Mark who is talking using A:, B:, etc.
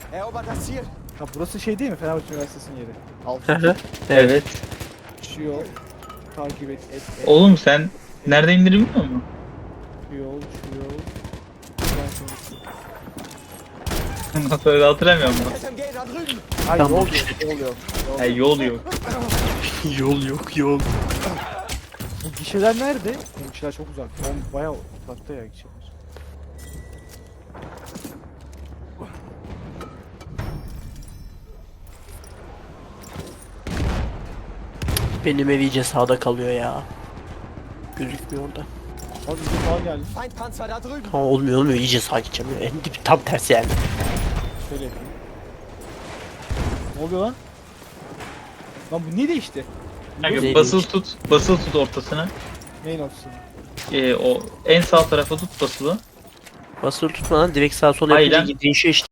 A: Erobert das Ziel.
B: Ha burası şey değil mi? Fenerbahçe Üniversitesi'nin yeri. Alt
C: Evet.
B: şu yol. Takip et.
C: Oğlum sen nerede indirim biliyor musun?
B: Şu yol, şu yol. Buradan sonrası.
C: Nasıl öyle hatırlamıyorum ben.
A: SMG da drüben.
B: Hayır
D: Tamam,
B: yol
D: işte.
B: yok, yol yok.
C: Ha, yol yok.
D: Yol yok yol.
B: Bu gişeler nerede? Bu gişeler çok uzak. Bayağı uzakta ya gişeler.
D: Benim ev iyice sağda kalıyor ya. Gözükmüyor orada.
B: Abi bir daha geldi.
A: Feindpanzer da drüben.
D: Ha, olmuyor iyice sağa gideceğim ya. En dibi tam tersi yani.
B: Şöyle yapayım. Ne oluyor lan? Lan bu ne değişti?
C: Kanka
D: Neydi
C: basılı
D: işte?
C: tut. Basılı tut ortasına.
B: Neyin ortasını?
C: O en sağ tarafa tut basılı.
D: Basılı tutmadan direkt sağa sola
C: Aynen.
D: yapınca değişiyor işte.